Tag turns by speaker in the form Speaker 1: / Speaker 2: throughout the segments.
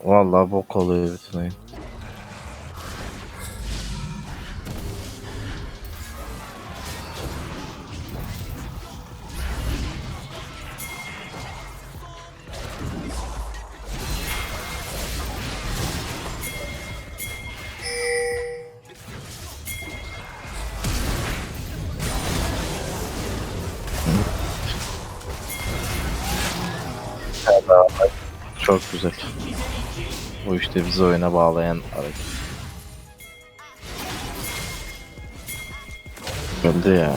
Speaker 1: Vallahi bok oluyor bütün oyun. Çok güzel. Bu işte bizi oyuna bağlayan hareket. Öldü ya.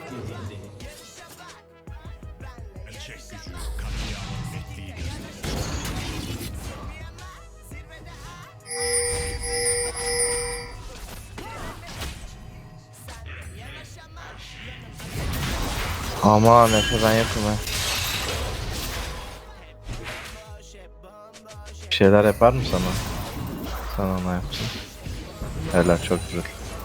Speaker 1: Aman Efe ben yokum ha. Bir şeyler yapar mı sana? Sana ona yapsın. Helal çok güzel.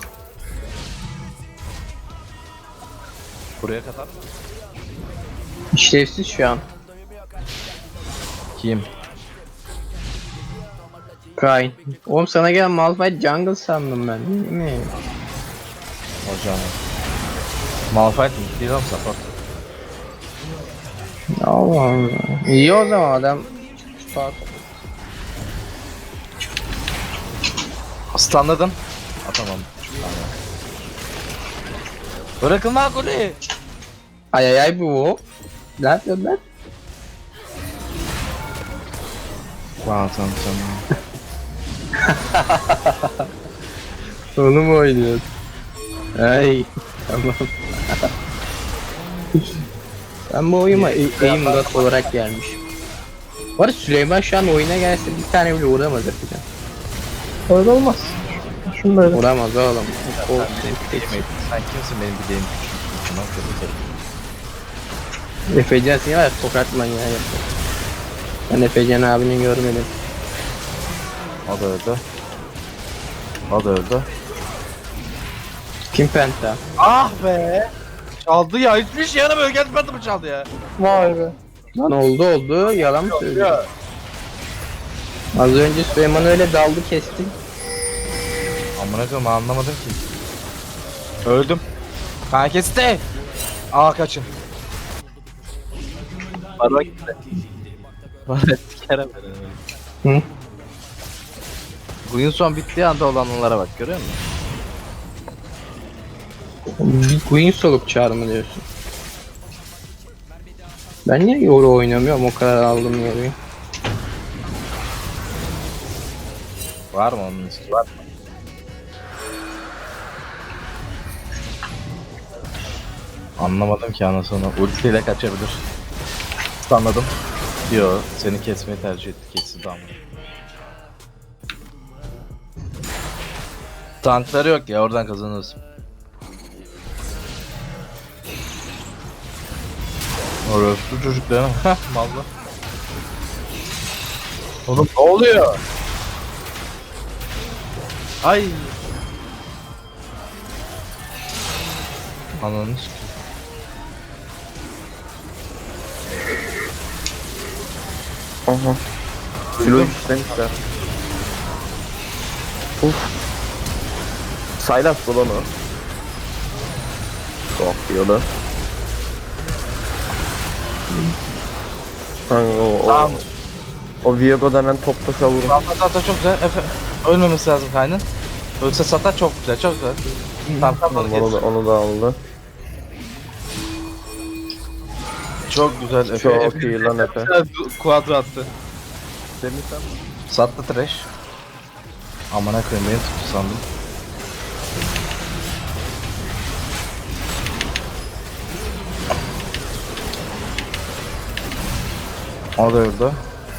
Speaker 1: Buraya kadar mı?
Speaker 2: İşlevsiz şu an.
Speaker 1: Kim?
Speaker 2: Kayn. Oğlum sana gelen Malphite jungle sandım ben değil mi?
Speaker 1: Hocam. Malphite mi? Değil oğlum support.
Speaker 2: Allah Allah. İyi o zaman adam. Start.
Speaker 1: Stunladın. Atamam. Bırakın lan golü.
Speaker 2: Ay ay ay bu. Ne yapıyorsun lan?
Speaker 1: Tamam tamam.
Speaker 2: Onu mu oynuyorsun? Ay. Tamam. Ben bu oyuna aim god olarak gelmişim. Bu arada Süleyman şu an oyuna gelse bir tane bile uğramaz yapacağım.
Speaker 3: Öyle olmaz. Şunu böyle.
Speaker 2: Uğramaz oğlum. O
Speaker 1: Sen kimsin benim bildiğim küçük?
Speaker 2: Efecan seni var ya tokat manyağı yapıyor. Ben Efecan abini görmedim.
Speaker 1: O da öldü. O da öldü.
Speaker 2: Kim Penta?
Speaker 1: Ah be! Çaldı ya, hiçbir şey yaramıyor. Geldi mi çaldı ya?
Speaker 3: Vay be.
Speaker 2: Lan oldu yalan mı söylüyor? Az önce Süleyman öyle daldı kesti.
Speaker 1: Amına koyayım anlamadım ki. Öldüm. Kan kesti. Aa kaçın. Barba gitti. Barba kere
Speaker 2: Hı?
Speaker 1: Bugün son bittiği anda olanlara bak görüyor musun?
Speaker 2: Bir Queen solup çağırma diyorsun. Ben niye yoru oynamıyorum o kadar aldım yoruyu.
Speaker 1: Var mı onun üstü var mı? Anlamadım ki anasını. Ultiyle kaçabilir. Anladım. Yo seni kesmeyi tercih etti kesin tamam. Tankları yok ya oradan kazanırız. Orospu çocuklarım. Heh mallı. Oğlum ne oluyor? Ay. Ananı sikeyim.
Speaker 3: Aha. Kilo işlemişler. Saylas dolanı. Çok yolu.
Speaker 1: Tamam.
Speaker 3: O Viego denen top taşa vurun.
Speaker 1: Sata çok güzel. Ölmemesi lazım kaynın. Ölse Sata çok güzel, çok güzel. Tamam
Speaker 3: Onu da aldı.
Speaker 1: çok güzel Efe.
Speaker 3: Çok iyi lan Efe.
Speaker 1: Kuadro attı.
Speaker 3: Semih sen
Speaker 1: Sattı trash. Amına koyayım beni tuttu sandım. O da öldü.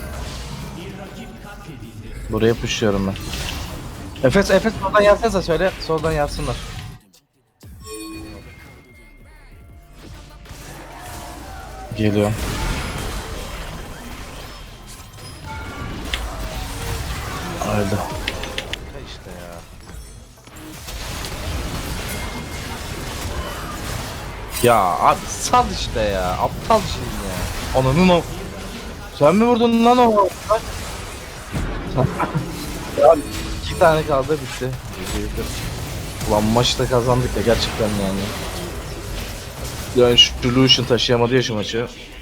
Speaker 1: Buraya pushluyorum ben. Efes soldan yazsanıza söyle. Soldan yazsınlar. Geliyorum. Öldü. İşte ya. Ya abi sal işte ya. Aptal şey ya. Ananın o. Sen mi vurdun lan o? 2 tane kaldı bitti. Ulan maçta kazandık ya gerçekten yani. Yani şu Lucian taşıyamadı ya şu maçı.